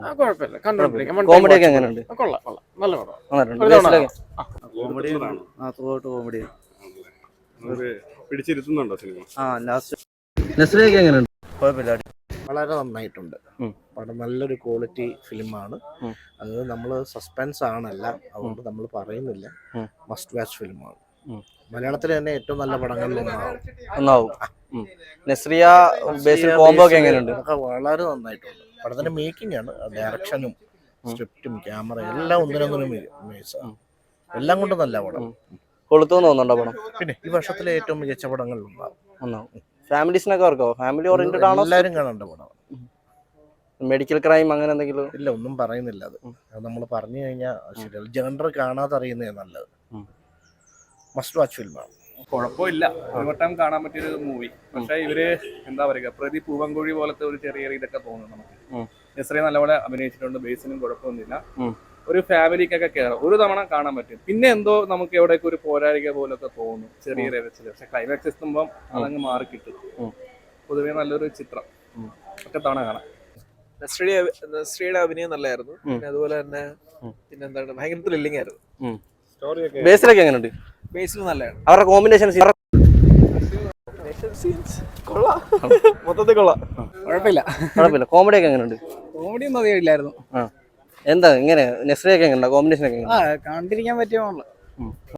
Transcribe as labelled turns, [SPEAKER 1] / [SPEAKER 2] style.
[SPEAKER 1] കുഴപ്പമില്ല, കണ്ടോണ്ടിരിക്കാം.
[SPEAKER 2] കോമഡി ഒക്കെ എങ്ങനെയുണ്ട്?
[SPEAKER 1] കൊള്ളാം കൊള്ളാം, നല്ല പടം.
[SPEAKER 3] Comedy
[SPEAKER 4] പിടിച്ചിരുത്തുന്നുണ്ടോ cinema?
[SPEAKER 2] നസ്രിയൊക്കെ എങ്ങനെയുണ്ട്?
[SPEAKER 3] കുഴപ്പമില്ല, വളരെ നന്നായിട്ടുണ്ട്. പടം നല്ലൊരു ക്വാളിറ്റി ഫിലിമാണ്. അത് നമ്മൾ സസ്പെൻസ് ആണല്ല, അതുകൊണ്ട് നമ്മൾ പറയുന്നില്ല. മസ്റ്റ് വാച്ച് ഫിലിമാണ്. മലയാളത്തിലെ തന്നെ ഏറ്റവും നല്ല പടങ്ങളിൽ
[SPEAKER 2] ഒന്നാവും. നസ്രിയ ബേസിൽ കോംബോ ഒക്കെ എങ്ങനെയുണ്ട്?
[SPEAKER 3] വളരെ നന്നായിട്ടുണ്ട്. പടത്തിന്റെ മേക്കിംഗ് ആണ്, ഡയറക്ഷനും സ്ക്രിപ്റ്റും ക്യാമറ എല്ലാം ഒന്നിനൊന്നിനും എല്ലാം കൊണ്ടും നല്ല പടം.
[SPEAKER 2] കൊളുത്തുമെന്ന് തോന്നുന്നുണ്ടോ പടം?
[SPEAKER 3] പിന്നെ ഈ വർഷത്തിലെ ഏറ്റവും മികച്ച പടങ്ങളിൽ
[SPEAKER 2] ഒന്നാവും. ഫാമിലീസിനൊക്കെ വർക്കോ? ഫാമിലി ഓറിയന്റഡ് ആണോ?
[SPEAKER 3] എല്ലാവരും കാണേണ്ട പടം.
[SPEAKER 2] മെഡിക്കൽ ക്രൈം അങ്ങനെ എന്തെങ്കിലും?
[SPEAKER 3] ഇല്ല, ഒന്നും പറയുന്നില്ല. അത് നമ്മൾ പറഞ്ഞു കഴിഞ്ഞാൽ ശരിയല്ല. ജനറൽ കാണാതെ അറിയുന്നേ നല്ലത്. മസ്റ്റ് വാച്ച് ഫിലിമാണ്.
[SPEAKER 5] കുഴപ്പമില്ല, ഒരു വട്ടം കാണാൻ പറ്റിയൊരു മൂവി. പക്ഷെ ഇവര് എന്താ പറയുക, പ്രതി പൂവൻകുഴി പോലത്തെ ഒരു ചെറിയ ഇതൊക്കെ തോന്നുന്നു നമുക്ക്. നസ്രിയ നല്ലപോലെ അഭിനയിച്ചിട്ടുണ്ട്, ബേസിനും കുഴപ്പമൊന്നുമില്ല. ഒരു ഫാമിലിക്കൊക്കെ കയറാം, ഒരു തവണ കാണാൻ പറ്റും. പിന്നെ എന്തോ നമുക്ക് എവിടെയൊക്കെ ഒരു പോരാളിക പോലൊക്കെ തോന്നും, ചെറിയ രചന. പക്ഷെ ക്ലൈമാക്സ് എത്തുമ്പം അതങ്ങ് മാറി കിട്ടും. പൊതുവെ നല്ലൊരു ചിത്രം, ഒറ്റ തവണ കാണാം.
[SPEAKER 6] നസ്രിയുടെ അഭിനയം നല്ലായിരുന്നു. പിന്നെ അതുപോലെ തന്നെ പിന്നെന്താണ്, ഭയങ്കര ത്രില്ലിംഗ് ആയിരുന്നു.
[SPEAKER 2] ബേസിലൊക്കെ എങ്ങനെയുണ്ട്?
[SPEAKER 6] ബേസിൽ നല്ലതാണ്.
[SPEAKER 2] അവരുടെ കോമ്പിനേഷൻ
[SPEAKER 6] കൊള്ളാം, മൊത്തത്തിൽ കൊള്ളാം.
[SPEAKER 2] കുഴപ്പമില്ല. കോമഡി ഒക്കെ എങ്ങനെയുണ്ട്?
[SPEAKER 6] കോമഡി ഒന്നും അധികം ഇല്ലായിരുന്നു.
[SPEAKER 2] എന്താ ഇങ്ങനെ നസ്രിയൊക്കെ എങ്ങനെ? കോമ്പിനേഷൻ ഒക്കെ
[SPEAKER 6] കണ്ടിരിക്കാൻ പറ്റിയ